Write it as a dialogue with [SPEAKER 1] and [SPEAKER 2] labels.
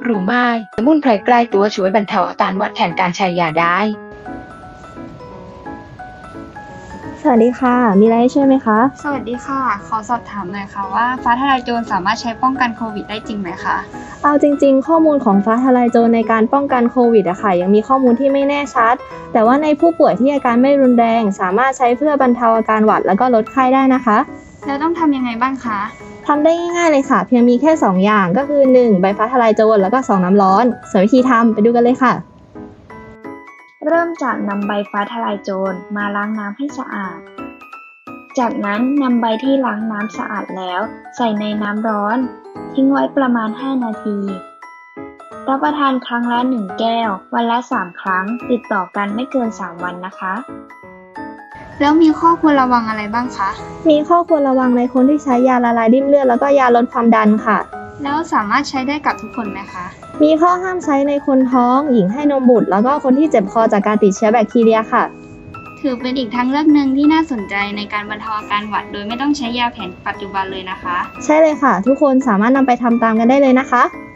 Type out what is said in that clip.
[SPEAKER 1] รู้ไหมสมุนไพรใกล้ตัวช่วยบรรเทาอาการหวัดแทนการใช้ยาได้
[SPEAKER 2] สวัสดีค่ะ มีอะไรให้ช่วยไหมคะ
[SPEAKER 3] สวัสดีค่ะ ขอสอบถามหน่อยค่ะว่าฟ้าทะลายโจรสามารถใช้ป้องกันโควิดได้จริงไหมคะ
[SPEAKER 2] เอาจริงๆ ข้อมูลของฟ้าทะลายโจรในการป้องกันโควิดอะค่ะยังมีข้อมูลที่ไม่แน่ชัด แต่ว่าในผู้ป่วยที่อาการไม่รุนแรงสามารถใช้เพื่อบรรเทาอาการหวัดแล้วก็ลดไข้ได้นะคะ
[SPEAKER 3] แล้วต้องทำยังไงบ้างคะ
[SPEAKER 2] ทำได้ง่ายๆเลยค่ะ เพียงมีแค่ 2 อย่างก็คือ 1. ใบฟ้าทะลายโจรแล้วก็ 2. น้ำร้อนส่วนวิธีทำไปดูกันเลยค่ะ
[SPEAKER 4] เริ่มจากนำใบฟ้าทะลายโจรมาล้างน้ำให้สะอาด จากนั้นนำใบที่ล้างน้ำสะอาดแล้วใส่ในน้ำร้อน ทิ้งไว้ประมาณ 5 นาที รับประทานครั้งละ 1 แก้ว วันละ 3 ครั้ง ติดต่อกันไม่เกิน 3 วันนะคะ
[SPEAKER 3] แล้วมีข้อควรระวังอะไรบ้างคะ
[SPEAKER 2] มีข้อควรระวังในคนที่ใช้ยาละลายริ่มเลือดแล้วก็ยาลดความดันค่ะ
[SPEAKER 3] แล้วสามารถใช้ได้กับทุกคนไหมคะ
[SPEAKER 2] มีข้อห้ามใช้ในคนท้อง หญิงให้นมบุตร แล้วก็คนที่เจ็บคอจากการติดเชื้อแบคทีเรียค่ะ
[SPEAKER 3] ถือเป็นอีกทางเลือกหนึ่งที่น่าสนใจในการบรรเทาอาการหวัดโดยไม่ต้องใช้ยาแผนปัจจุบันเลยนะคะ
[SPEAKER 2] ใช่เลยค่ะ ทุกคนสามารถนำไปทำตามกันได้เลยนะคะ